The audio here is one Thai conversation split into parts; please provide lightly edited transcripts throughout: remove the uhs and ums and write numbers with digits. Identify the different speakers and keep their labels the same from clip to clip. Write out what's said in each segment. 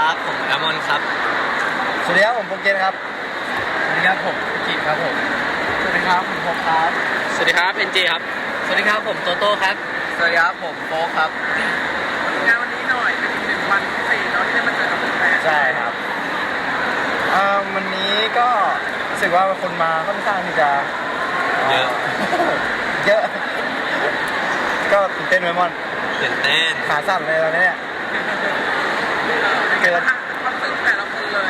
Speaker 1: ครับผมแอมอนครับ
Speaker 2: สวัสดีครับผมโปเกนครับสวัสดีครับผมกิจครับผมสวัสดีครับผมพบครับ
Speaker 1: สวัสดีครับเอ็นเจครับ
Speaker 2: สวัสดีครับผมโตโต้ครับสวัสดีครับผมโฟกครับ
Speaker 3: งานวันนี้หน่อยเป็นอีกหนึ่งวันพิเศษเนาะที่ได้มาเจอกับแฟน
Speaker 2: ใช่ครับวันนี้ก็รู้สึกว่าคนมาค่อนข้างที่จะ
Speaker 1: เยอะ
Speaker 2: เยอะก็ตื่นเต้นไหมมอน
Speaker 1: ตื่นเต้น
Speaker 2: ขาสั่นเลยตอนนี้เนี่ย
Speaker 3: เกิดความรู้สึกแต่ละคนเลย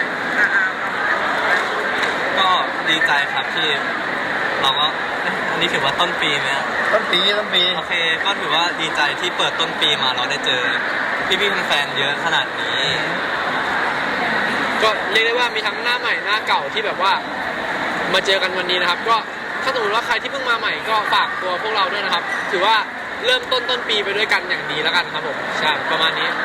Speaker 1: ก็ดีใจครับที่เราก็อันนี้ถือว่าต้นปีไหม
Speaker 2: ต้นปี
Speaker 1: โอเคก็ถือว่าดีใจที่เปิดต้นปีมาเราได้เจอพี่ๆแฟนๆเยอะขนาดนี้
Speaker 4: ก็เรียกได้ว่ามีทั้งหน้าใหม่หน้าเก่าที่แบบว่ามาเจอกันวันนี้นะครับก็ถ้าสมมติว่าใครที่เพิ่งมาใหม่ก็ฝากตัวพวกเราด้วยนะครับถือว่าเริ่มต้นปีไปด้วยกันอย่างดีแล้วกันครับผมใช่ประมาณนี้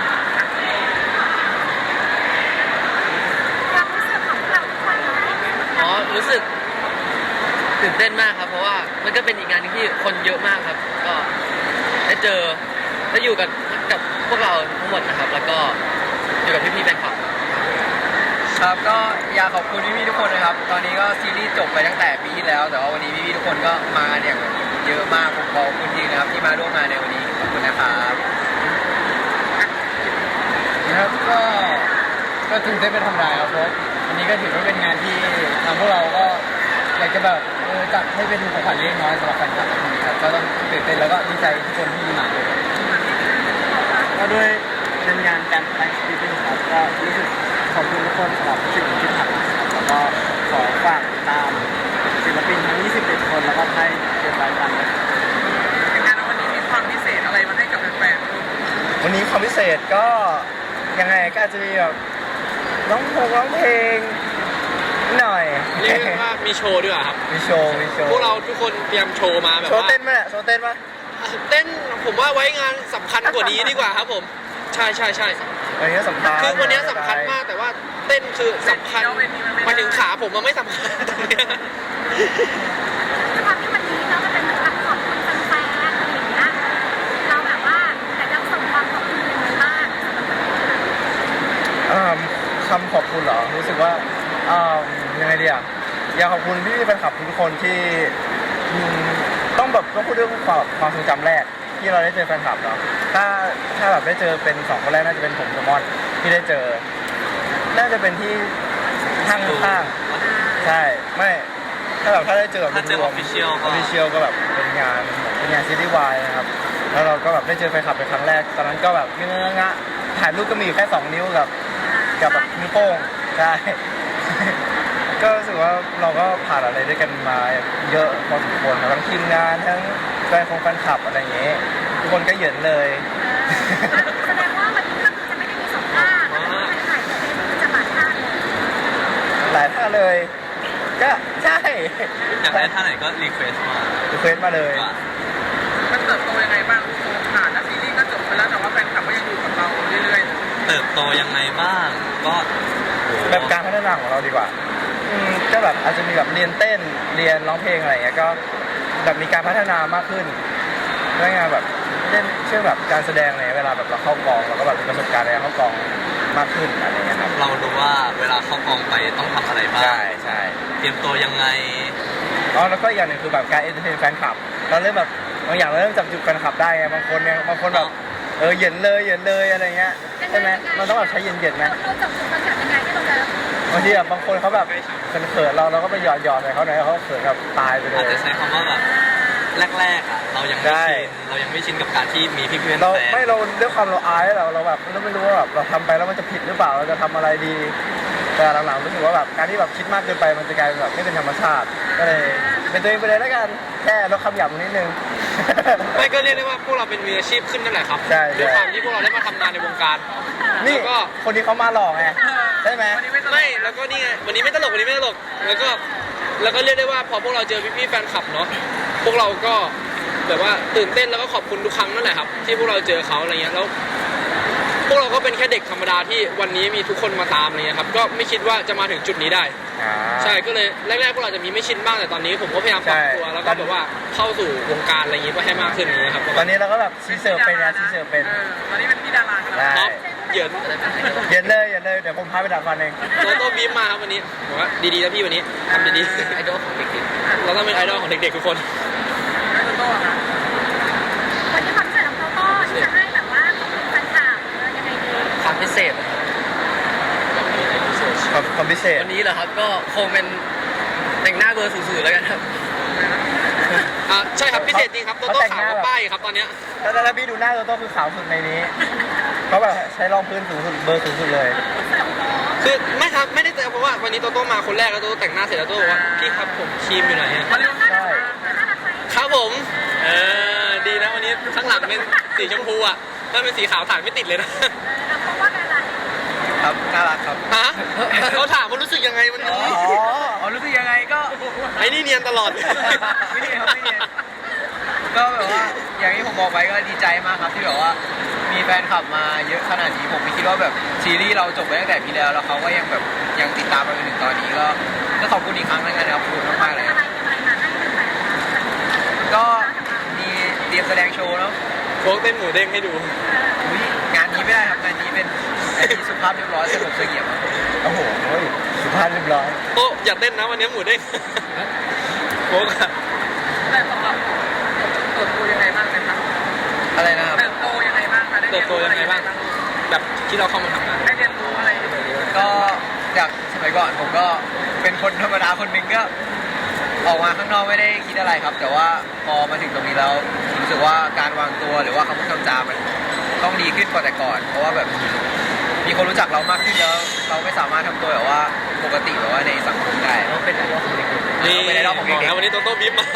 Speaker 5: รู้สึกตื่นเต้นมากครับเพราะว่ามันก็เป็นอีกงานนึงที่คนเยอะมากครับก็ได้เจอได้อยู่กับพวกเราทั้งหมดนะครับแล้วก็อยู่กับพี่ๆแฟนคลับ
Speaker 2: ครับก็อยากขอบคุณพี่ๆทุกคนนะครับตอนนี้ก็ซีรีส์จบไปตั้งแต่ปีที่แล้วแต่ว่าวันนี้พี่ๆทุกคนก็มาเนี่ยเยอะมากผมขอบคุณจริงนะครับที่มาร่วมงานในวันนี้ขอบคุณนะครับนะครับก็ตื่นเต้นเป็นธรรมดาครับเพราะวันนี้ก็ถือว่าเป็นงานที่ทางพวกเราก็อยากจะแบบจัดให้เป็นของขวัญเล็กน้อยสำหรับแฟนคลับทุกคนครับก็ต้องตื่นเต้นแล้วก็ดีใจทุกคนที่มาด้วยก็ด้วยเป็นงานการแสดงที่เป็นครับก็รู้สึกขอบคุณทุกคนสำหรับสิ่งที่ทำแล้วก็ขอฝากตามศิลปินทั้ง21คนแล้วก็ให้เก็บรายการ
Speaker 3: งานวันนี้มีความพิเศษอะไรมาให้กับแฟนๆ
Speaker 2: วันนี้ความพิเศษก็ยังไงก็อาจจะมีแบบร้องเพลงหน่อย
Speaker 4: เรียกว่ามีโชว์ด้วยครับ
Speaker 2: มีโชว์
Speaker 4: พวกเราทุกคนเตรียมโชว์มาแบบว่า
Speaker 2: โชว์เต้นไหม
Speaker 4: เต้นผมว่าไว้งานสำคัญกว่านี้ดีกว่าครับผมใช่
Speaker 2: วันนี้สำคัญ
Speaker 4: คือวันนี้สำคัญมากแต่ว่าเต้นคือสำคัญมาถึงขาผมมันไม่สำคัญตรงนี้
Speaker 6: ด้วยความที่วันนี้เราจะเป็นเหมือนกับขอบคุณแฟนๆอะไรอย่างเงี้ยเราแบบว่าแต่จะส่งความขอบคุณยังไงบ้าง
Speaker 2: คำขอบคุณเหรอรู้สึกว่ายังไงดีอ่ะอยากขอบคุณพี่แฟนคลับทุกคนที่ต้องพูดเรื่องความทรงจำแรกที่เราได้เจอแฟนคลับเนาะถ้าแบบได้เจอเป็น2คนแรกน่าจะเป็นผมกับมอนที่ได้เจอน่าจะเป็นที่ข้างใช่ไม่ถ้าได้เจอแบบ
Speaker 1: ถ้าเจอออฟฟิเชียล
Speaker 2: ก็แบบเป็นงานซีรีส์วายนะครับแล้วเราก็แบบได้เจอแฟนคลับเป็นครั้งแรกตอนนั้นก็แบบเงอะถ่ายรูปก็มีอยู่แค่2นิ้วกับแบบนิ้วโป้งใช่ก็รู้สึกว่าเราก็ผ่านอะไรด้วยกันมาเยอะพอสมควรทั้งทีมงานทั้งแฟนคลับอะไรอย่างเงี้ยทุกคนก็เหยินเลย
Speaker 6: แสดงว่าวันนี้ก็จะไม่ได้มี2ท่าแต่ว่าถ่ายเป็นจะหลายท่า
Speaker 2: เลยก็ใช่
Speaker 1: อยากได้ท่าไหนก็รีเควส
Speaker 2: มาเลย
Speaker 3: มันเติบโตยังไงบ้างผ่านแล้วซีรีส์ก็จบไปแล้วแต่ว่าแฟนคลับก็ยังอยู่กับเราเรื่อย
Speaker 1: ๆเติบโตยังไงบ้างก็
Speaker 2: แบบการพัฒนาของเราดีกว่าก็แบบอาจจะมีแบบเรียนเต้นเรียนร้องเพลงอะไรอย่างเงี้ยก็แบบมีการพัฒนามากขึ้นเรื่องงานแบบเล่นเชื่อแบบการแสดงอะไรเวลาแบบเราเข้ากองเราก็แบบมีประสบการณ์ในการเข้ากองมากขึ้นอะไรเงี้ยครับ
Speaker 1: เรารู้ว่าเวลาเข้ากองไปต้องทำอะไรบ้าง
Speaker 2: ใช่
Speaker 1: เตรียมตัวยังไง
Speaker 2: แล้วก็อย่างหนึ่งคือแบบการเอนเตอร์เทนแฟนคลับเราเริ่มแบบบางอย่างเราเริ่มจับจุดแฟนคลับได้ไงบางคนแบบเหย็นเลยอะไรเงี้ยใช่ไหมมันต้องแบบใช้เย็นไหม
Speaker 6: เราจับจุดแฟนคลับยังไงที่เราจะ
Speaker 2: บางทีแบบบางคนเขาแบบเขินเราก็ไปหยอดใส่เขาหน่อยเขาเขินแบบตายไปเลย
Speaker 1: อาจจะใช้คำว่าแบบแรกๆอ่ะเรายังไม่ชินกับการที่มีพี่เพื่อน
Speaker 2: เราไม่เราด้วยความเราอายเราแบบเราไม่รู้ว่าแบบเราทำไปแล้วมันจะผิดหรือเปล่าเราจะทำอะไรดีแต่หลังๆรู้สึกว่าแบบการที่แบบคิดมากเกินไปมันจะกลายเป็นแบบไม่เป็นธรรมชาติก็เลยเป็นตัวเองไปเลยแล้วกันแค่ลดคำหยาบนิดนึง
Speaker 4: ไม่ก็เรียกได้ว่าพวกเราเป็นมืออาชีพขึ้นนั่นแหละครับด้วยความที่พวกเราได้มาทำงานในวงการ
Speaker 2: นี่ก็คนที่เขามาหลอกไงใช่ไหม
Speaker 4: ไม่แล้วก็นี่ไงวันนี้ไม่ตลกแล้วก็เรียกได้ว่าพอพวกเราเจอพี่ๆแฟนคลับเนาะพวกเราก็แบบว่าตื่นเต้นแล้วก็ขอบคุณทุกครั้งนั่นแหละครับที่พวกเราเจอเขาอะไรเงี้ยแล้วพวกเราก็เป็นแค่เด็กธรรมดาที่วันนี้มีทุกคนมาตามอะไรเงี้ยครับก็ไม่คิดว่าจะมาถึงจุดนี้ได้ใช่ก็เลยแรกๆพวกเราจะมีไม่ชินบ้างแต่ตอนนี้ผมก็พยายามปรับตัวแล้วก็แบบว่าเข้าสู่วงการอะไรอย่างงี้ก็ให้มากขึ้นอย่างเงี้ยครับ
Speaker 2: ตอนนี้เราก็แบบซีเซอร์เป็น
Speaker 3: ตอนนี้เป็นพี่ดารา
Speaker 2: แล้ว
Speaker 4: เหยิน
Speaker 5: จะได้เป็นไอดอล
Speaker 2: เย็นเลยเย็นเลยเดี๋ยวผมพาไปดับฟันเอง
Speaker 4: โตโต้บีมมาครับวันนี้บอกว่าดีๆนะพี่วันนี้ทำดี
Speaker 5: ไอดอลของเด็ก
Speaker 4: ๆเราต้องเป็นไอดอลของเด็กๆทุกคน
Speaker 3: แล้วโตโต้อะคะ
Speaker 6: วันนี้คอนเสิร์ตของโตโต้ที่จะให้แบบว่าขอบคุณแฟนคลับยังไงดี
Speaker 5: ๆความพิเศษนะครับ
Speaker 2: ความพิเศษ
Speaker 5: วันนี้เหรอครับก็คงเป็นแต่งหน้าเบอร์สูงๆแล้วกันครับ
Speaker 4: ใช่ครับพิเศษจริงครับโตโต้ขาวกว่าป้ายครับตอนเนี้ย
Speaker 2: ถ้าพี่ดูหน้าโตโต้คือขาวสุดในนี้เขาแบบใช้รองพื้นสูงสุดเบอร์สูงสุดเลย
Speaker 4: คือไม่ครับไม่ได้แต่เพราะว่าวันนี้โตโต้มาคนแรกแล้วโตโต้แต่งหน้าเสร็จแล้วโตโต้บอกว่าพี่ครับผมครีมอยู่ไหนอะ
Speaker 3: มาเร็ว
Speaker 6: น่ารักไหมน่ารักไหม
Speaker 4: ครับผมดีนะวันนี้ข้างหลังเป็นสีชมพูอ่ะถ้าเป็นสีขาวถ่ายไม่ติดเลยนะ
Speaker 6: เพราะว่าอะไร
Speaker 2: ครับน่ารักครับ
Speaker 4: ฮะเขาถามว่ารู้สึกยังไงวันนี้
Speaker 2: อ๋อรู้สึกยังไงก็
Speaker 4: ไอ้นี่เนียนตลอด
Speaker 2: ไม่เนียนครับไม่เนียนก็แบบว่าอย่างที่ผมบอกไปก็ดีใจมากครับที่แบบว่ามีแฟนคลับมาเยอะขนาดนี้ผมไม่คิดว่าแบบซีรีส์เราจบไปตั้งแต่ปีแล้วแล้วเขาก็ยังแบบยังติดตามมาจนถึงตอนนี้ก็ขอบคุณอีกครั้งนึงนะครับขอบคุณมากๆเลย
Speaker 6: อะไรอะไรมาให้แฟนๆ
Speaker 2: ก็มีเตรียมแสดงโชว์แล้ว
Speaker 4: โค้กเต้นหมูเด้งให้ดู
Speaker 2: งานนี้ไม่ได้ครับงานนี้เป็นงานที่สุภาพเรียบร้อยสงบเสงี่ยมโอ้โหสุภาพเรียบร้อย
Speaker 4: โต๊ะอย่าเต้นนะวันนี้หมูเด้งโค้กอะ
Speaker 3: แต่สำหรับเติบโตยังไงบ้างนะคะ
Speaker 2: อะไรนะครับ
Speaker 3: เติบโตยังไงบ้างคะได้
Speaker 4: เติ
Speaker 3: เรี
Speaker 4: บ
Speaker 3: ยน
Speaker 4: โต
Speaker 3: รู้
Speaker 4: ยั
Speaker 3: อะไร
Speaker 4: งไงบ้างแบบที่เราเข้ามาทำงาน
Speaker 3: ได้เรียนรู้อะไร
Speaker 2: ก็จากสมัยก่อนผมก็เป็นคนธรรมดาคนหนึ่งก็ออกมาข้างนอกไม่ได้คิดอะไรครับ แต่ว่าพอมาถึงตรงนี้แล้วรู้สึกว่าการวางตัวหรือว่าคำพูดคำจามันต้องดีขึ้นกว่าแต่ก่อน เพราะว่าแบบมีคนรู้จักเรามากขึ้นแล้ว เราไม่สามารถทำตัวแบบว่าปกติแบบว่าในสังคมได้
Speaker 5: เราเป็นไอดอลของเด็ก
Speaker 4: นี่
Speaker 2: เป็นไอดอลของเด็กๆ
Speaker 4: แล้ววันนี้โตโต้บิ๊มมา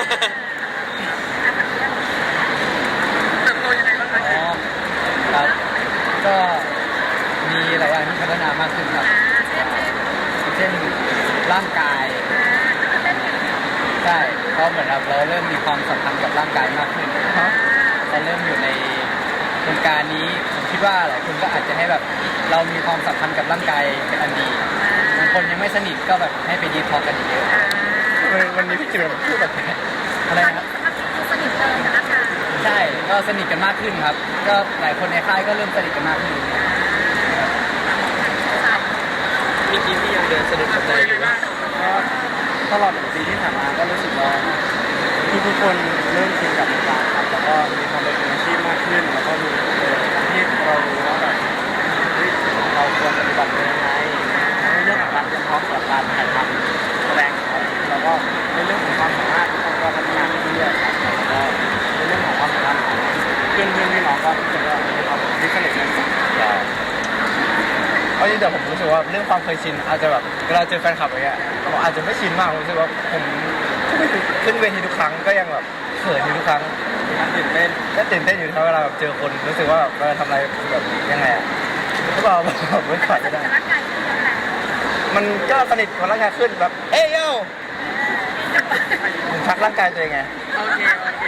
Speaker 3: เติบโตยังไงบ้างคะ
Speaker 2: อ๋อครับก็มีหลายอย่างที่พัฒนามากขึ้นครับ เช่นร่างกายใช่เพราะเหมือนเราเริ่มมีความสัมพันธ์กับร่างกายมากขึ้นเราเริ่มอยู่ในโครงการนี้ผมคิดว่าหลายคนก็อาจจะให้แบบเรามีความสัมพันธ์กับร่างกายเป็นอันดีบางคนยังไม่สนิทก็แบบให้ไปดีทอล์กกันเยอะวันนี้พี่จิ๋วพูดแบบอะไรนะครับ
Speaker 6: สนิทเลยนะคะ
Speaker 2: ใช่ก็สนิทกันมากขึ้นครับ ก็หลายคนในค่ายก็เริ่มสนิทกันมากขึ้น
Speaker 4: มีกี้ที่ยังเดินสะดุด
Speaker 3: เติ
Speaker 4: กับ น
Speaker 3: โต
Speaker 4: ได
Speaker 3: ยัง
Speaker 4: อ
Speaker 3: ไง
Speaker 4: ยู่
Speaker 3: บ้าง
Speaker 2: ตลอด1 ปีที่ผ่านมาก็รู้สึกว่าทุกคนเริ่มชินกับการครับแล้วก็มีความเป็นมืออาชีพมากขึ้น แล้วก็มีที่เรารู้ว่าแบบเราควรปฏิบัติตัวยังไงในเรื่องของการเตรียมพร้อมสำหรับการถ่ายทำแสดงครับแล้วก็ในเรื่องของความสามารถทุกคนก็พัฒนาขึ้นเรื่อยๆครับแล้วก็ในเรื่องของความสัมพันธ์ของเพื่อนพี่น้องก็ทุกคนก็มีความที่สนิทกันเอาจริงแต่ผมรู้สึกว่าเรื่องความเคยชินอาจจะแบบเวลาเจอแฟนคลับอะไรเงี้ยผมอาจจะไม่ชินมากผมรู้สึกว่าผมขึ้นเวทีทุกครั้งก็ยังแบบเขินอยู่ทุกครั้งตื่นเต้นก็ตื่นเต้นอยู่ทุกเวลาแบบเจอคนรู้สึกว่าเวลาทำอะไรแบบยังไงอะก็บอกไม่ขอไม่ได้
Speaker 6: ร่างกายที่เยอะแหละ
Speaker 2: มันก็สนิทกับร่างกายขึ้นแบบเอ้ยโย่ผมชักร่างกายตัวเองไง
Speaker 3: โอเคโอเค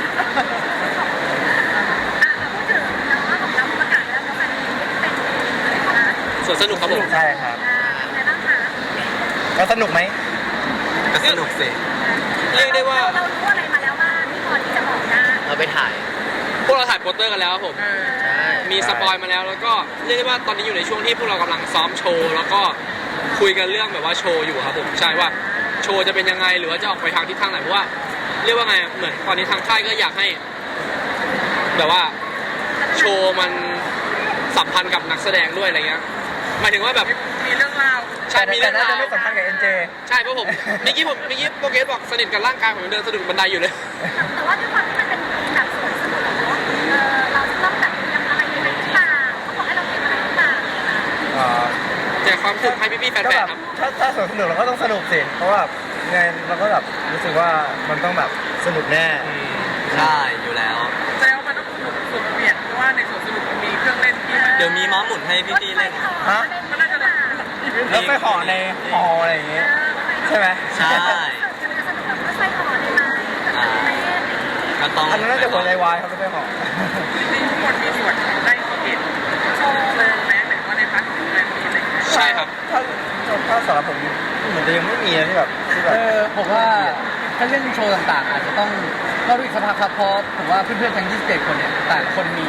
Speaker 6: พูดถึงน้องของเราประกาศแล้วว่ามันเป็นอะไรนะ
Speaker 4: ส่วนสนุกครับผม
Speaker 2: ใช่ครับ
Speaker 6: อะไรบ้างคะ
Speaker 2: แล้วสนุกไหม
Speaker 1: ก็สนุกสิ
Speaker 4: เรียกได้ว่า
Speaker 6: เรารู้อะไรมาแล้วว่าที่พอที่จะบอกได้
Speaker 5: ๆเราไปถ่าย
Speaker 4: พวกเราถ่ายโปสเตอร์กันแล้วครับผม
Speaker 5: ใช่
Speaker 4: มีสปอยมาแล้วแล้วก็เรียกได้ว่าตอนนี้อยู่ในช่วงที่พวกเรากำลังซ้อมโชว์แล้วก็คุยกันเรื่องแบบว่าโชว์อยู่ครับผมใช่ว่าโชว์จะเป็นยังไงหรือว่าจะออกไปทางทิศทางไหนเพราะว่าเรียกว่าไงเหมือนตอนนี้ทางค่ายก็อยากให้แบบว่าโชว์มันสัมพันธ์กับนักแสดงด้วยอะไรเงี้ยหมายถึงว่าแบบ
Speaker 3: มีเรื่องราว
Speaker 4: ใช่มี
Speaker 2: แต่
Speaker 4: เรื่อง
Speaker 2: น่าจะ
Speaker 4: ราว
Speaker 2: ไม่สัมพันธ์กับ NJ
Speaker 4: ใช่เพราะผมเมื่อกี้โปรเกสบอกสนิทกับร่างกายผมยังเดินสะดุดบันไดอยู่เลย
Speaker 6: แต่ว่าด้วยความที่มันเป็นแบบสวนสนุกเนาะเราจะต้องแบบเตรียมอะไรยังไงหรือเปล่าเขาบอกให้เราเตรียมอะไรหรือเปล่า
Speaker 4: แจกความสุขให้พี่ๆแฟ
Speaker 2: ก็แบ
Speaker 4: น
Speaker 2: บ
Speaker 4: ๆครับ
Speaker 2: ถ้าสนุกเราก็ต้องสนุกสิเพราะว่าไงเราก็แบบรู้สึกว่ามันต้องแบบสนุกแน่
Speaker 1: ใช่อยู่แล้ว
Speaker 3: แสดงว่ามันต้องสนุกสุดเปลี่ยนเพราะว่าในสวนสนุกมันมีเครื่องเล่นที่มัน
Speaker 1: เดี๋ยวมีม้าหมุนให้พี่ๆเล่น
Speaker 3: มันน่าจะแบบ
Speaker 2: แล้วไปห่อในห่ออะไรอย่างเงี้ยใช่ไหม
Speaker 1: ใช่
Speaker 6: จะสนุกแบบไม่ใช่ห่อได้ไหมแบบไม่เล่น
Speaker 1: ก็ต้อง
Speaker 2: อันนั้นน่าจะหัวใจวายครับไม่ใช่ห่อ
Speaker 3: จริงๆทุกคนมีส่วนได้เห็นโชว์เลยแม้แต่ว่าในพาร์ทของแฟนมีอะไรอย่างเงี้ย
Speaker 4: ใช่ครับ
Speaker 2: ถ้าสำหรับผมเหมือนจะยังไม่มีนะที่แบบผมว่าถ้าเรื่องโชว์ต่างๆ อาจจะต้องรอดูอีกสักพักครับเพราะผมว่าเพื่อนๆทั้ง27 คนเนี่ยต่างคนมีเอ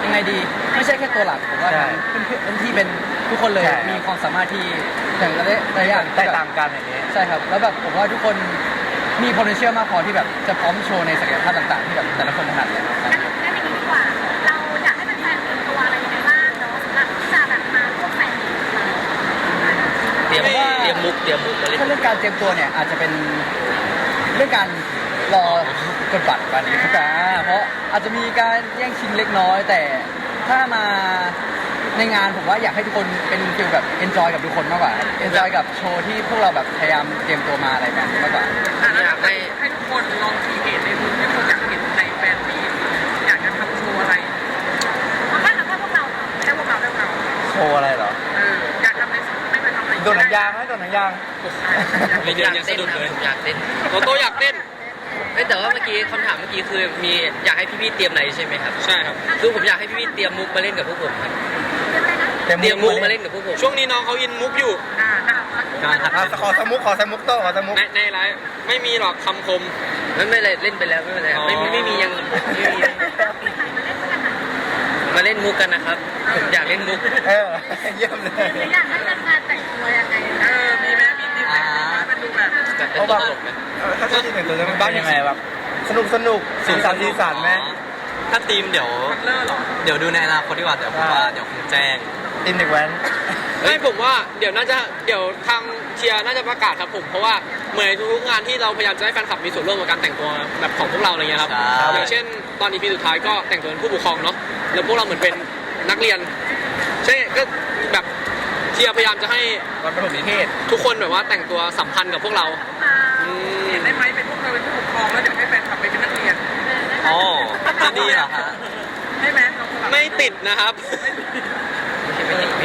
Speaker 2: ยังไงดีไม่ใช่แค่ตัวหลักผมว่าทั้งเพื่อนๆที่เป็นทุกคนเลยมีความสามารถที่อย่างหลายอย่าง
Speaker 7: แตกต่างกันอย่างนี้
Speaker 2: ใช่ครับแล้วแบบผมว่าทุกคนมี potential มากพอที่แบบจะพร้อมโชว์ในศักยภาพต่างๆที่แบบแต่ละคนถนัดเลยครับ
Speaker 6: งั้นอย่างนี้ดีกว่า เราอยากให้แฟนๆเตรียมตัวอะไรยังไงบ้างเนาะสำหรับที่จะแบบมาร่วมแฟนมีตของเรา
Speaker 5: เตรียมมุกมาเล่น
Speaker 2: ถ้าเรื่องการเตรียมตัวเนี่ยอาจจะเป็นเรื่องการรอกดบัตรกันนะครับเพราะอาจจะมีการแย่งชิงเล็กน้อย แต่ถ้ามาในงานผมว่าอยากให้ทุกคนเป็นฟีลแบบ enjoy กับทุกคนมากกว่า enjoy กับโชว์ที่พวกเราแบบพยายามเตรียมตัวมาอะไรแบบนี้มากกว่า
Speaker 3: แล้วอยากให้ทุกคนลองคีเอทในมุมที่คุณอยากเห็นในแฟนมีตอยากจะทำโชว์อะไร
Speaker 6: เอาแค่พวกเรา
Speaker 3: แค่พวกเราได้พวกเรา
Speaker 7: โชว์อะไรเหรอ
Speaker 3: อยากทำในสิ่งไม่เคยทำอะไร
Speaker 7: โดดหนังยางไหมโดดหนังยาง
Speaker 4: ไม่เดินยังสะดุดเลย
Speaker 5: อยากเต้น
Speaker 4: โตอยากเต้น
Speaker 5: แต่ว่าเมื่อกี้คำถามเมื่อกี้คือมีอยากให้พี่ๆเตรียมอะไรใช่ไหมครับ
Speaker 4: ใช่ครับ
Speaker 5: คือผมอยากให้พี่ๆเตรียมมุกมาเล่นกับพวกผมครับ
Speaker 6: เดี๋ยวอะไรนะ
Speaker 5: เตรียมมุกมาเล่นกับพวกผม
Speaker 4: ช่วงนี้น้องเขาอินมุกอยู่
Speaker 1: การหัด
Speaker 7: ขอสมุกขอสมุกโต้ขอสมุก
Speaker 4: ในไลฟ์ไม่มีหรอกคำคม
Speaker 5: ไม่เป็นไรเล่นไปแล้วไม่เป็นไรครับไม่มียังไม่มีมาเล่นมุกกันนะครับผมอยากเล่นมุก
Speaker 7: เยี่ยมเลย
Speaker 6: หรืออยากให้แฟนๆแต่งตัวยังไง
Speaker 3: มีไหมมีทีมไหนเป็นดูแบบ
Speaker 5: แบบเป็น
Speaker 7: เอา
Speaker 5: ต
Speaker 7: แบบ
Speaker 5: ลกไหม
Speaker 7: ถ้าที่แต่งตัวจะเป็นบ้านยังไงแบบสนุกสีสันไหม
Speaker 1: ถ้าทีมเดี๋ยว
Speaker 3: คัตเลอร์หรอ
Speaker 1: เดี๋ยวดูในอนาคตดีกว่าเดี๋ยวผมว่าเดี๋ยวคงแจ้ง
Speaker 7: อินเด็กแว้น
Speaker 4: ไม่ผมว่าเดี๋ยวทางเชียร์น่าจะประกาศครับผมเพราะว่าเหมือนทุกงานที่เราพยายามจะให้แฟนคลับมีส่วนร่วมกับการแต่งตัวแบบของพวกเราอะไรเงี้ยครับ
Speaker 1: ใช่
Speaker 4: อย่างเช่นตอน EP สุดท้ายก็แต่งตัวเป็นผู้ปกครองเนาะแล้วพวกเราเหมือนเป็นนักเรียนใช่ก็แบบเชียร์พยายามจะให้
Speaker 7: ตอนประถมนิเทศ
Speaker 4: ทุกคนแบบว่าแต่งตัวสัมพันธ์กับพวกเราอืม
Speaker 3: เห็นได้ไหมเป็นพวกเราเป็นผู้ปกครองแล้วเดี๋ยวให้แฟนคลับไปเป็นนักเรียน
Speaker 1: โอ้จะดีเหรอฮะ
Speaker 3: ได้ไหมน้องสลับ
Speaker 4: ไม่ติดนะครับ
Speaker 5: ไม่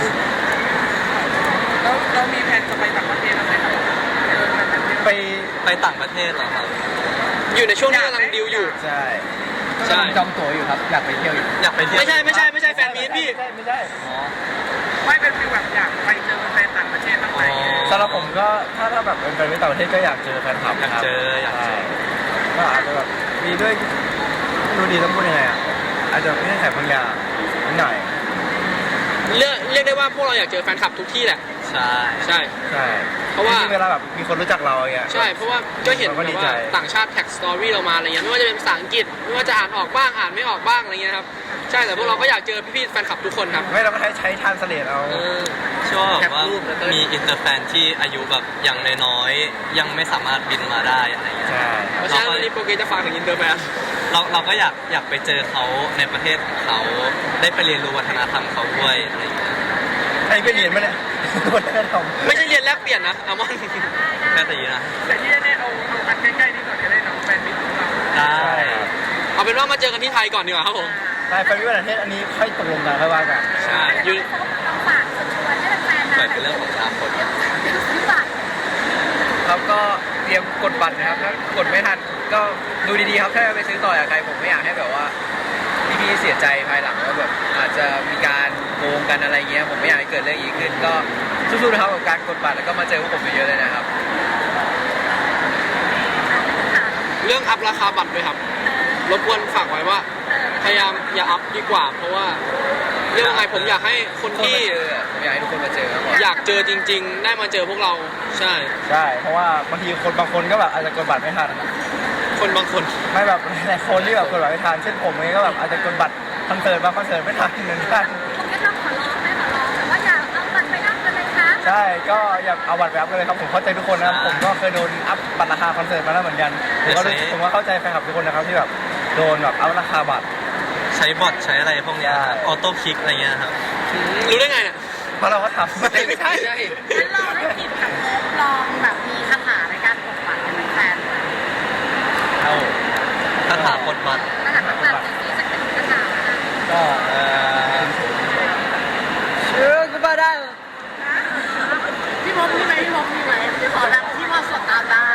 Speaker 3: แล้วเรามีแผนจะไปต่างประเทศอะไรครับไป
Speaker 1: ไปต่างประเทศเหรอครับ
Speaker 4: อยู่ในช่วงที่กำลังดิวอยู่
Speaker 7: ใช่
Speaker 4: ใช่
Speaker 2: จองตั๋วอยู่ครับอยากไปเที่ยวอยู่
Speaker 1: อยากไปเที่ยว
Speaker 4: ไม่ใช่แฟนมีตพี่
Speaker 7: ไม่ใช่
Speaker 1: อ๋อ
Speaker 3: ไม่เป็นฟีลแบบอยากไปเจอแฟนต่างประเทศบ้างไหม
Speaker 7: สำหรับผมก็ถ้าแบบเป็นแฟนต่างประเทศก็อยากเจอแฟนคลับ
Speaker 1: อยากเจอ
Speaker 7: ก็อาจจะแบบมีด้วยดูดีต้องพูดยังไงอ่ะอาจจะไม่ได้แข่บางอย่างนิดหน่อย
Speaker 4: เรียกได้ว่าพวกเราอยากเจอแฟนคลับทุกที่แหละ
Speaker 1: ใช่
Speaker 4: ใช่
Speaker 7: ใช่
Speaker 4: เพราะว่า
Speaker 7: ที่เวลาแบบมีคนรู้จักเราอย่างเงี้ย
Speaker 4: ใช่เพราะว่าก็เห็น
Speaker 7: เราก็
Speaker 4: แบ
Speaker 7: ดี
Speaker 4: บ
Speaker 7: ใจ
Speaker 4: ว่าต่างชาติแท็กสตอรี่เรามาอะไรเงี้ยไม่ว่าจะเป็นภาษาอังกฤษไม่ว่าจะอ่านออกบ้างอ่านไม่ออกบ้างอะไรเงี้ยครับใช่แต่พวกเราก็อยากเจอพี่ๆแฟนคลับทุกคนครับ
Speaker 7: ไม่เราก็ใช้ทานสเลดเอา
Speaker 4: เออ
Speaker 1: ชอบแบบว่ามีอินเตอร์แฟนที่อายุแบบอย่างน้อยๆยังไม่สามารถบินมาได้อะไรอย่างเงี้ย
Speaker 7: ใช่
Speaker 4: เพราะฉะนั้นวันนี้โปรเกรสจะฝากถึงอินเตอร์แฟน
Speaker 1: เราก็อยากไปเจอเขาในประเทศของเขาได้ไปเรียนรู้วัฒนธรรมเขาด้วยอะไรอย่างเงี้ย
Speaker 7: ไอ้ไปเรียนมาเนี่ยวัฒนธรรม
Speaker 4: ไม่ใช่เรียนแลกเปลี่ยนนะอามอน
Speaker 1: ก็ดีนะ
Speaker 3: แต่ที่แน่ๆเอาอันใกล้ๆนี่ก่อนจะได้น้องแฟนมิตรของเรา
Speaker 1: ได้
Speaker 4: เอาเป็นว่ามาเจอกันที่ไทยก่อนดีกว่าครับผม
Speaker 7: ใช่ไปวิวัฒนประเทศอันนี้ค่อยตกลงกันค่อยว่ากัน
Speaker 4: ใช่
Speaker 6: อยู่ต้องฝากชวนให้แฟนๆมา
Speaker 1: เปิดเป็นเรื่องของอนาคต
Speaker 6: ซื้อบัตร
Speaker 2: ครับก็เตรียมกดบัตรนะครับถ้ากดไม่ทันก็ดูดีๆครับถ้าไปซื้อต่อจากใครผมไม่อยากให้แบบว่าพี่ๆเสียใจภายหลังว่าแบบอาจจะมีการโกงกันอะไรเงี้ยผมไม่อยากให้เกิดเรื่องอีกขึ้นก็สู้ๆนะครับกับการกดบัตรแล้วก็มาเจอพวกผมเยอะๆเลยนะครับ
Speaker 4: เรื่องอัพราคาบัตรด้วยครับรบกวนฝากไว้ว่าพยายามอย่าอัพดีกว่า เพราะว่าเรื่องอะไรผมอยากให้คน
Speaker 2: คน
Speaker 4: ที่
Speaker 2: มาเจอผมอยากให้ทุกคนมาเจอครับผม
Speaker 4: อยากเจอจริง ๆ ได้มาเจอพวกเราใช่
Speaker 7: ใช่เพราะว่าบางทีคนบางคนก็แบบอาจจะกดบัตรไม่ทัน
Speaker 4: คนบางคน
Speaker 7: ไม่แบบหลายคนที่แบบกดบัตรไม่ทันเช่นผมเองก็แบบอาจจะกดบัตรคอนเสิร์ตบางคอนเสิร์ตไม่ทันเหมือนกัน
Speaker 6: ผมก็ต้องขอร้องแต่ว่าอย่าเอาบัตรไปอัพกันเลยครับ
Speaker 7: ใช่ก็อย่าเอาบัตรไปอัพกันเลยครับผมเข้าใจทุกคนนะครับผมก็เคยโดนอัพบัตรราคาคอนเสิร์ตมาแล้วเหมือนกันผมก็เข้าใจแฟนคลับทุกคนนะครับที่แบบโดนแบบอัพราคาบัตร
Speaker 1: ใช้บอทใช้อะไรพวกเนี้ยครับออโต้คลิกอะไรเงี้ยครับ
Speaker 4: รู้ได้ไงเนี่ย
Speaker 7: เพราะเราก็ทำ
Speaker 4: ไม่ใช่
Speaker 6: งั้นลองให้กินกับลองแบบมีคาถาในการกดบัตรเป็นแฟน
Speaker 7: เอา
Speaker 1: ถ้าถามกดบัตร
Speaker 6: คาถาแบบที่จะเป็นคาถา
Speaker 7: ก็
Speaker 2: เชื่อก็มาได้
Speaker 6: พี่มดมีไหมพี่มดมีไหมพี่ขอแบบที่มาสดตามได้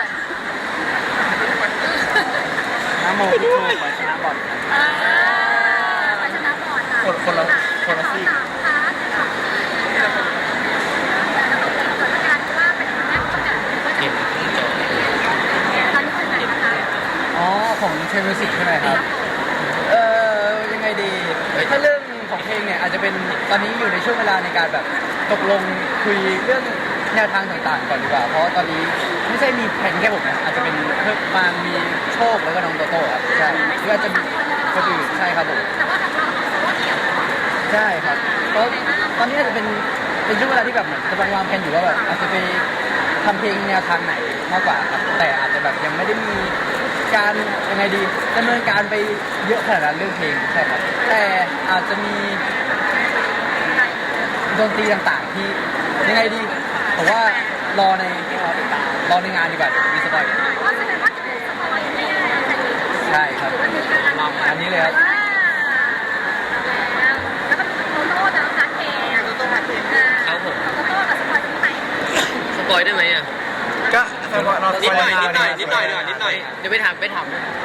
Speaker 2: น้ำโมพุทโธขอชนะบอล
Speaker 6: ไปชนะก่อนค่ะ
Speaker 7: คนละซีก
Speaker 6: ค่ะแต่เราเป็นการว่าเป็นครั้งแรกประกาศว่าจะตอนนี้เป็นไหนนะคะ
Speaker 2: อ๋อของเทมิสิกใช่ไหมครับยังไงดีถ้าเรื่องอาจจะเป็นตอนนี้อยู่ในช่วงเวลาในการแบบตกลงคุยเรื่องแนวทางต่างๆก่อนดีกว่าเพราะตอนนี้ไม่ใช่มีแผนแค่ผมนะอาจจะเป็นเพิ่มมามีโชคแล้วก็น้องโตโต้ครับใช่หรืออาจจะมีคนอื่นใช่ครับผม
Speaker 6: แต่ว่าของเราเขาว่าเกี่ยวกับ
Speaker 2: ใช่ครับเพราะตอนนี้อาจจะเป็นช่วงเวลาที่แบบเหมือนกำลังวางแผนอยู่ว่าแบบอาจจะไปทำเพลงแนวทางไหนมากกว่าครับแต่อาจจะแบบยังไม่ได้มีการยังไงดีดำเนินการไปเยอะขนาดนั้นเรื่องเพลงใช่ครับแต่อาจจะมีดนตรีต่างๆที่ยังไงดีผมว่ารอในงานดีกว่าเดี๋ยวมีสปอยล์
Speaker 6: ว่าแสดงว่าจะเป็นสปอยล์ไม่ได้แต่นี่
Speaker 2: ใช่ครับ
Speaker 6: วันนี้กันแล้ว
Speaker 2: อันนี้เลยครับ
Speaker 6: แล้วก็โตโต้นะนักเพลงโตโต้นักเพลงโตโต้กับสปอยล์ที่ไหน
Speaker 5: สปอยได้ไหมอ่ะ
Speaker 7: ก็เรา
Speaker 4: นิดหน่อยนิดหน่อยนิดหน่อยดีกว่านิดหน่อย
Speaker 5: เดี๋ยวไปถาม
Speaker 4: เฮ้ย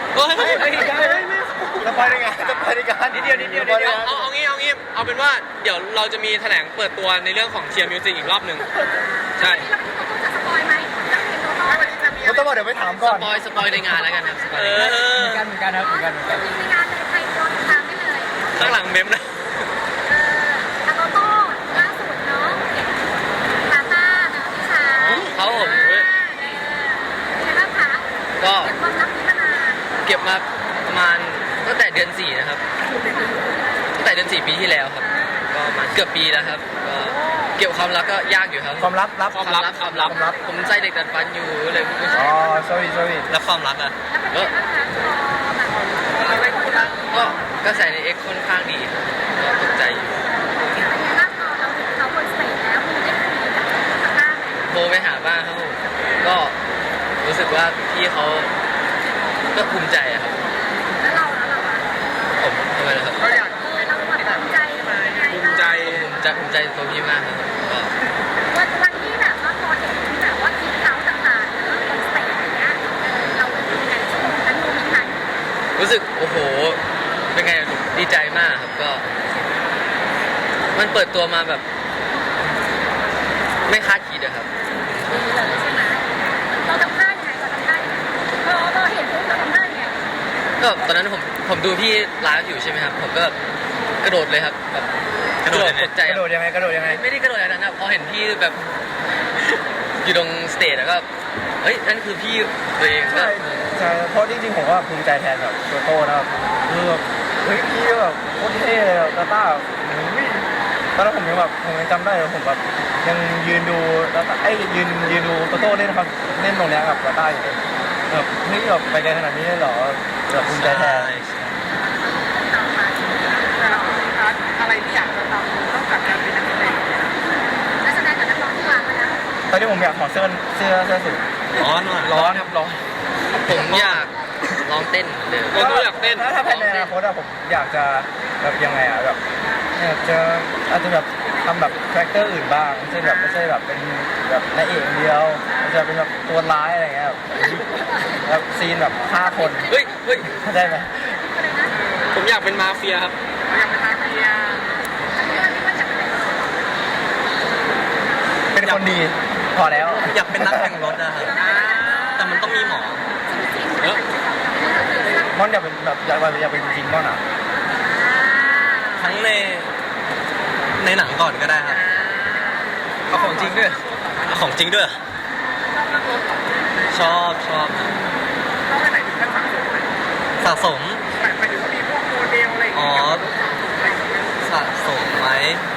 Speaker 7: จะไปได้ไงจะไปได้กัน
Speaker 4: นิดเดียวเอางี้เอาเป็นว่าเดี๋ยวเราจะมีแถลงเปิดตัวในเรื่องของเทียร์มิวสิกอีกรอบหนึ่งใช่
Speaker 6: แล้วโตโต้จะสปอยล์ไหมนักเพลงโตโต้
Speaker 3: วันนี้จะมี
Speaker 7: ผมต้องบอกเดี๋ยวไปถามก่อน
Speaker 5: สปอยในงานแล้วกันครับสปอย
Speaker 4: เอ
Speaker 5: ในงาน
Speaker 4: อ
Speaker 2: เหมือนกันครับเหมือนกัน
Speaker 6: ในงานเลยใครรอติดตามได้เลย
Speaker 4: ข้างหลังเมมนะ
Speaker 6: โตโต้ล่าสุดเนาะตาต้าเนาะพี่ชาย
Speaker 5: เขาผม
Speaker 6: เป็นไงบ้างคะ
Speaker 5: ก็
Speaker 6: เก็บความลับนี้มานาน
Speaker 5: เก็บมาประมาณตั้งแต่เดือน 4 นะครับตั้งแต่เดือน 4 ปีที่แล้วครับก็ประมาณเกือบปีแล้วครับก็เก็บความลับก็ยากอยู่ครับ
Speaker 7: ความลับ
Speaker 5: ความลับผมใส่เด็กดัดฟันอยู่เลยพูดไม่ใช่
Speaker 7: อ๋อ sorry
Speaker 1: แล้วความรักอ่ะ
Speaker 6: แล้วเป็นไงบ้างคะพอแบบ
Speaker 3: เราได้พูดแล้ว
Speaker 5: ก็กระแสใน X ค่อนข้างดีครับก็ตกใจอยู่
Speaker 6: เป็นไงบ้างพอเราเห็นเขาบนสเตจแล้วคุณได้คุยกับตาต้าไหม
Speaker 5: โทรไปหาบ้างครับผมก็รู้สึกว่าพี่เขาก็ภูมิใจอะครับ
Speaker 6: แล้วเราอะ
Speaker 5: ผมทำไมล่ะครับ
Speaker 3: เราอยาก
Speaker 6: เราแบบภูมิใจไหม
Speaker 4: ภูมิใจ
Speaker 5: ภูมิใจในตัวพี่มากครับก็
Speaker 6: วันที่แบบว่าพอเห็นแบบว่าทีมเขาต่างๆเนอะบนสเตจอย่างเงี้ยเราเป็นยังไงช่วงนั้นโมเมนต์นั้น
Speaker 5: รู้สึกโอ้โหเป็นไงดีใจมากครับก็ มันเปิดตัวมาแบบ ไม่คาดคิดอะครับ
Speaker 6: ดีเลยใช่ไหมเราทำท่ายังไงเราเห็นปุ๊บเราทำท่ายังไง
Speaker 5: ก็ตอนนั้นผมดูพี่ไลฟ์อยู่ใช่ไหมครับผมก็กระโดดเลยครับแบบ
Speaker 1: กระโดดยังไง
Speaker 5: ตกใจ
Speaker 7: กระโดดยังไง
Speaker 5: ไม่ได้กระโดดอะไรนั้นนะพอเห็นพี่แบบ อยู่ตรงสเตจแล้วก็เฮ้ยนั่นคือพี่ตัวเองก็
Speaker 7: ใช่เพราะจริงๆผมว่าภูมิใจแทนแบบโตโต้นะครับคือแบบเฮ้ยพี่แบบโคตรเท่เลยตาต้าตอนนั้นผมยังจำได้เลยผมแบบยังยืนดูแล้วยืนดูโตโต้เล่นครับเล่นตรงเนี้ยกับตาต้าอยู่เลยแบบเฮ้ยแบบไปไกลขนาดนี้เลยเหรอแบบภูมิใจแทน
Speaker 3: แต่ละคนนะคะอะไรที่อยากจะทำนอกจากการเป็นนักแสดง
Speaker 6: นักแสดงกับนักร้องที่วางไว้แล้ว
Speaker 7: ตอนนี้ผมอยากถอดเสื้อสูท
Speaker 1: ร้อนว่ะ
Speaker 7: ร้อนครับร้อน
Speaker 5: ผมอยากลองเต้นเหมือนเดิม
Speaker 4: เราก็อยากเต้น
Speaker 7: ถ้าภายในอนาคตอะผมอยากจะแบบยังไงอะแบบอยากจะอาจจะแบบทำแบบคาแรคเตอร์อื่นบ้างไม่ใช่แบบเป็นแบบนายเอกอย่างเดียวอาจจะเป็นแบบตัวร้ายอะไรเงี้ยแบบซีนแบบฆ่าคน
Speaker 5: เฮ้ย
Speaker 7: เข้าใจไหม
Speaker 4: ผมอยากเป็นมาเฟียครับ
Speaker 3: เราอยากเป็นมาเฟีย
Speaker 6: อันนี้เราคิดว่าจะเป็นอะไร
Speaker 7: เป็นคนดีพอแล้ว
Speaker 1: อยากเป็นนักแข่งรถอะครับแต่มันต้องมีหมอ
Speaker 4: เออ
Speaker 7: ม่อนอยากเป็นแบบอยากเป็นจริงๆม่อนอะ
Speaker 1: ทั้งในหนังก่อนก็ได้ครับเอาของจริงด้วยเอาของจริงด้วย ชอบครับ
Speaker 3: เราไปไหนถึงขั้นสะสมไหม
Speaker 1: สะสม
Speaker 3: หมายถึงว่ามีพวกโมเดลอะไรอย่างเงี้ยอะไรอย่างเงี้ย
Speaker 1: สะสมไหม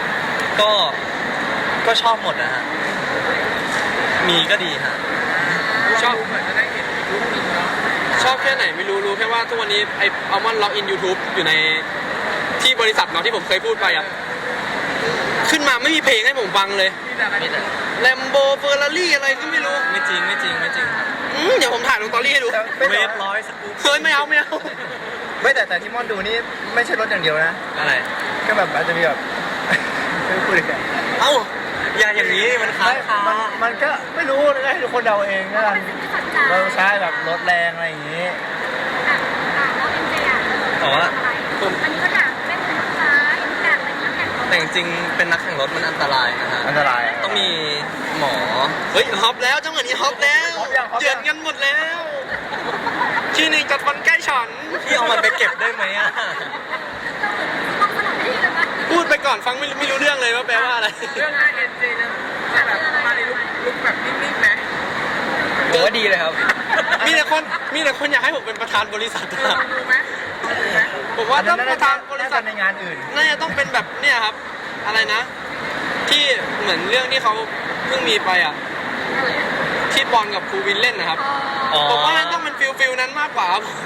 Speaker 1: ก็ชอบหมดนะฮะมีก็ดีฮะ
Speaker 4: ชอบ
Speaker 3: เหมือนจะได้เห็นรูปนี้เนาะ
Speaker 4: ชอบแค่ไหนไม่รู้แค่ว่าทุกวันนี้ไออัลมอนด์ล็อกอิน YouTube อยู่ในที่บริษัทเนาะที่ผมเคยพูดไปอ่ะขึ้นมาไม่มีเพลงให้ผมฟังเลย
Speaker 3: มีแต่อะไร
Speaker 5: มีแต่
Speaker 4: แลมโบเฟอร์รารี่อะไรก็ไม่รู้
Speaker 1: ไม่จริงครับ
Speaker 4: เดี๋ยวผมถ่ายลงสตอรี่ให้ดู
Speaker 1: เวฟร้อยสกู๊ป
Speaker 4: เฮ้ยไม่เอา
Speaker 7: ไม่แต่ที่ม่อนดูนี่ไม่ใช่รถอย่างเดียวนะ
Speaker 1: อะไร
Speaker 7: ก็แบบอาจจะมีแบบ ไม่พูดเลย
Speaker 1: เอ้าอย่าอย่างนี้มันค้างคา
Speaker 7: มันก็ไม่รู้เลยให้ทุกคนเดาเองนะกัน
Speaker 6: เป็นสิ่งที่สนใจ
Speaker 7: เราใช้แบบรถแรงอะไรอย่างนี้
Speaker 6: แล้วเอ็มเจอ่ะ
Speaker 1: แต่ว่า
Speaker 6: อันนี้ก็อยากเล่นเป็นลูกค้าอยากเป็นนักแข่งรถ
Speaker 1: แต่จริงๆเป็นนักแข่งรถมันอันตรายนะฮะ
Speaker 7: อันตราย
Speaker 1: ต้องมีหมอ
Speaker 4: เฮ้ยฮอปแล้วจังหวะนี้ฮอปแล้ว
Speaker 7: ฮอปยังฮอปยัง
Speaker 4: เยือนกันหมดแล้วที่หนึ่งจัดฟันใกล้ฉัน
Speaker 1: พี่เอามันไปเก็บได้ไหมอะ
Speaker 6: ต้องสนับสนุนที่เลยนะ
Speaker 4: พูดไปก่อนฟังไม่รู้เรื่องเลยว่าแปลว่าอะไร
Speaker 3: เรื่องงานเอ็นเจจะแบบมาในลุคแบบนิ่งๆไหม
Speaker 2: ผมว่าดีเลยครับ
Speaker 4: มีแต่คนอยากให้ผมเป็นประธานบริษัท
Speaker 3: ลองดูไหมลองดูไหม
Speaker 4: ผมว่าต้องประธานบริษัท
Speaker 7: ในงานอื่น
Speaker 4: น่าจะต้องเป็นแบบเนี่ยครับ อะไรนะ ที่เหมือนเรื่องที่เขาเพิ่งมีไปอ่ะ ที่บอลกับครูวินเล่นนะครับ
Speaker 1: อ๋อ
Speaker 4: ผมว่ามันต้องเป็นฟิลนั้นมากกว่าครับผม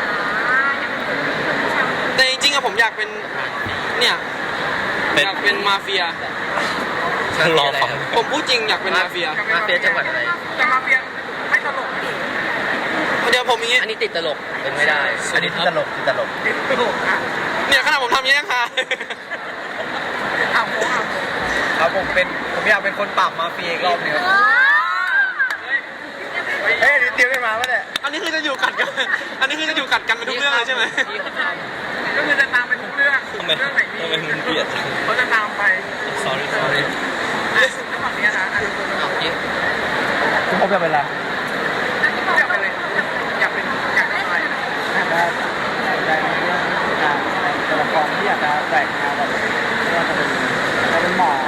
Speaker 4: แต่จริงๆอะผมอยากเป็นเนี่ย
Speaker 1: เป็น
Speaker 4: อยากเป็นมาเฟีย
Speaker 1: รอฟัง
Speaker 4: ผมพูดจริงอยากเป็นมาเฟีย
Speaker 5: มาเฟียจังหวัดอะไร
Speaker 3: แต่มาเฟียไม่ตลก
Speaker 4: เดี๋ยวผมอย่างงี้
Speaker 5: อันนี้ติดตลกเป็นไม่ได้
Speaker 7: อันนี้ที่ตลก
Speaker 3: ตลกอ่ะ
Speaker 4: เนี่ยขนาดผมทำอย่างนี้ยังฮา
Speaker 3: อ่ะโมอ่ะ
Speaker 2: ครับผมอยากเป็นคนปราบมาเฟียอีกรอบหนึงครับ
Speaker 7: เฮ้ยนี่เตรียมกันมาปะเนี่ย
Speaker 4: อันนี้คือจะอยู่กัดกัน อันนี้คือจะอยู่กัดกันเป็นทุกเรื่องเลยใช่ไหม
Speaker 5: ที่เขาท
Speaker 3: ก็คือจะตามไปทุกเรื่อง
Speaker 1: ทำไม
Speaker 3: เรื่องไหนมี
Speaker 1: ทำไมมันเบียดจัง
Speaker 3: เขาจะตามไป
Speaker 1: sorry sorry
Speaker 3: อ่ะแล้วฝั่งนี้นะอ่ะดู
Speaker 5: ำเอาที่
Speaker 7: คุณพบจะเป็นอะไร
Speaker 3: อยากเป็นอะไรอยากเป็นอยากทำอะไร
Speaker 2: อยากจะในเรื่องการแสดงตัวละครที่อยากจะแบ่งงานแบบว่าจะเป็นหมอ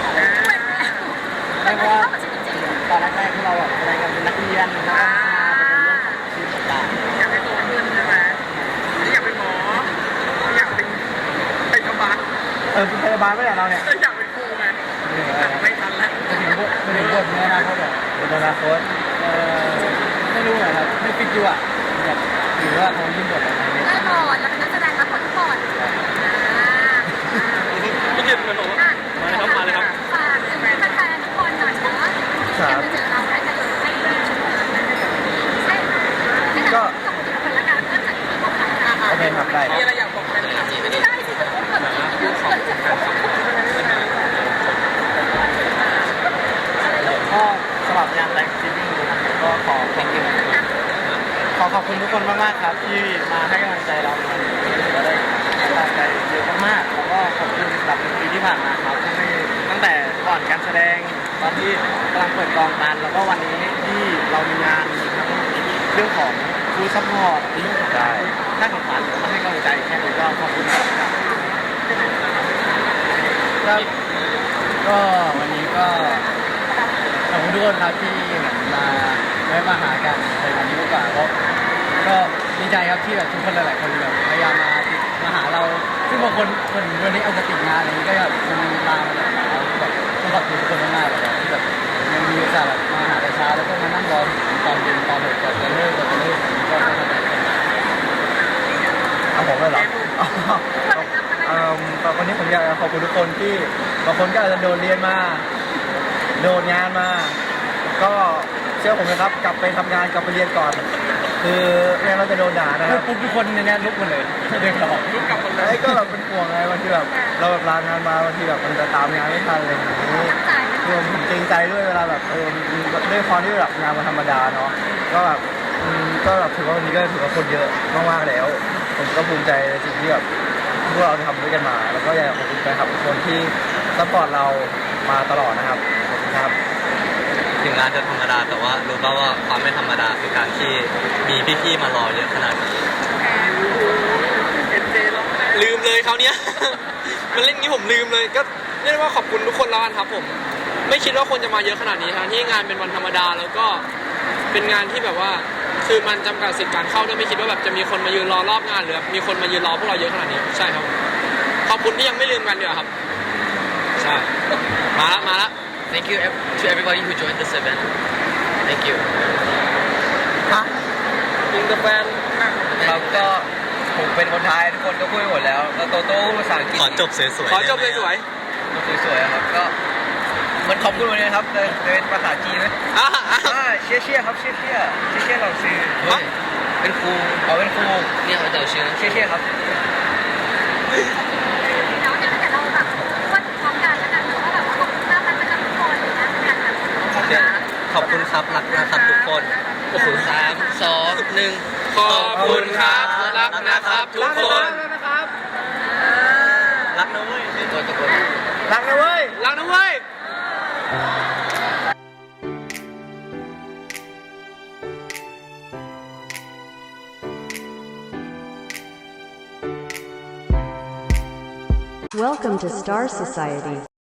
Speaker 2: ไม่ว่าตอนแรกๆที่เราแบบแสดงกันเป็นนักเรียนแล้วก็มาเป็นเรื่องของชีวิตต่าง
Speaker 3: อยากให้โตขึ้นใช่ไหมนี่อยากเป็นหมออยากเป็นพยาบาล
Speaker 7: เป็นพยาบาลไม่ใช่เราเนี่ย
Speaker 3: อยากเป็นครูไงแต่ไม่ทันแล้ว
Speaker 2: จะถึงบทในอนาคตแบบ
Speaker 7: เป็นอนาคต
Speaker 2: ไม่รู้นะครับไม่ฟิกอยู่อ่ะแบบหรือว่าเขายื่นบทอะไรเนี่ย
Speaker 6: แน่นอนเราเป็นนักแสดงรับผลก่อน
Speaker 4: พี่เกียรติเป็นผมว่ามาเลยครับมาเลยครับ
Speaker 6: ฝากถึงแฟนๆทุกคนหน่อยเนาะที่จะมาเจอเราได้กันอยู่ให้ได้ชมกันให้กับทุกคนละกันเริ่มจากที่พวกเรา
Speaker 7: โอเคครับได้
Speaker 3: มีอะไรอยากบอกแฟนคลับ
Speaker 6: ไม่ได้สิจะพูดคนที่คนจะพูด
Speaker 2: ก็สำหรับงานแรงซีรีส์นะครับก็ขอขอบคุณทุกคนมากๆครับที่มาให้กำลังใจเราในวันนี้ถือว่าได้กำลังใจเยอะมากๆแล้วก็ขอบคุณสำหรับ1 ปีที่ผ่านมาครับที่ตั้งแต่ก่อนการแสดงตอนที่กำลังเปิดกองกันแล้วก็วันนี้ที่เรามีงานมีทั้งเรื่องของฟูลซัพพอร์ตเรื่องของการให้ของขวัญมาให้กำลังใจแค่นี้ก็ขอบคุณครับก็วันนี้ก็ขอบคุณทุกคนครับที่มาได้มาหากันในวันนี้ดีกว่าก็ดีใจครับที่แบบทุกคนหลายๆคนแบบพยายามมาหาเราซึ่งบางคนวันนี้อาจจะติดงานอะไรนี้ก็แบบมันมาแบบแบบต้องขอบคุณทุกคนมากๆเลยที่แบบยังมีโอกาสแบบมาหาแต่เช้าแล้วก็มานั่งรอตอนเย็นตอนก่อนจะเลิกก็มากันมา
Speaker 7: เอาผมเลยเหรอแต่วันนี้ผมอยากจะขอบคุณทุกคนที่บางคนก็อาจจะโดนเรียนมาโดนงานมา ก็เชื่อผมนะครับกลับไปทำงานกลับไปเรียนก่อน คือไม่งั้นเราจะโดนด่านะครับ
Speaker 2: ปุ๊บทุกคนในนี้ลุกมาเลยเดินกลับ
Speaker 3: ลุกกลับคนเล
Speaker 7: ไอ้
Speaker 3: ย
Speaker 7: ก็แบบเป็นห่วงไงบางทีแบบเราแบบลางานมาบางทีแบบมันจะตามงานไม่ทันอะไรอย่างนี้คือผมเกรงใจด้วยเวลาแบบด้วยความที่แบบงานมันธรรมดาเนาะก็แบบก็แบบถือว่าวันนี้ก็ถือว่าคนเยอะมากๆแล้ว ผมก็ภูมิใจในสิ่งที่แบบพวกเราทำด้วยกันมา แล้วก็อยากขอบคุณแฟนคลับทุกคนที่ซัพพอร์ตเรามาตลอดนะครับขอบคุณครับ
Speaker 1: ถึงงานจะธรรมดาแต่ว่ารู้ป่าวว่าความไม่ธรรมดาคือการที่มีพี่ๆมารอเยอะขนาดนี้
Speaker 3: เอ็นเจร้องไห้
Speaker 4: ลืมเลยเขาวเนี้ย มันเล่นงี้ผมลืมเลย ก็เรียกได้ว่าขอบคุณทุกคนแล้วกันครับผม ไม่คิดว่าคนจะมาเยอะขนาดนี้ทั้งที่งานเป็นวันธรรมดาแล้วก็เป็นงานที่แบบว่า คือมันจำกัดสิทธิ์การเข้าด้วยไม่คิดว่าแบบจะมีคนมายืนรอรอบงานหรือมีคนมายืนรอพวกเราเยอะขนาดนี้ใช่ครับ ขอบคุณที่ยังไม่ลืมกันเดียวาครับ ใช่ มาละ
Speaker 5: Thank you to everybody who joined this event Thank you
Speaker 4: อิงเตอร์แฟน
Speaker 2: ครับก็ผมเป็นคนไทยทุกคนก็พูดหมดแล้วแล้วโตโต้ภาษาอังกฤษ
Speaker 1: ขอจบสวยๆ
Speaker 4: ขอจบ
Speaker 1: ได้ไหม
Speaker 4: สวย
Speaker 2: สวยๆครับก็มันขอบคุณวันนี้ครับเป็นภาษาจีนไหม
Speaker 4: ๆอ่ะ
Speaker 2: เชี่ยครับเชี่ยเราซื้อ
Speaker 5: เฮ้ยเป็นครู
Speaker 2: เอาเป็นครู
Speaker 5: เนี่ยเขาจะเอาชื่อ
Speaker 2: เชี่ยครับ
Speaker 6: แล้วเนี่ยแต่เราแบบวันพร้อมกันแล้วกันเนาะว่าแบบว่าขอบคุณมากมันจะทุกคนเลยนะกันแบบ
Speaker 1: ขอบคุณครับรักนะครับทุกคน
Speaker 5: โอ้โห3 2 1
Speaker 4: ขอบคุณครับรักนะครับทุกคน
Speaker 1: รักนะเว้ย
Speaker 5: ตะโกน
Speaker 7: รักนะเว้ย
Speaker 4: รักนะเว้ย
Speaker 8: Welcome to Star Society.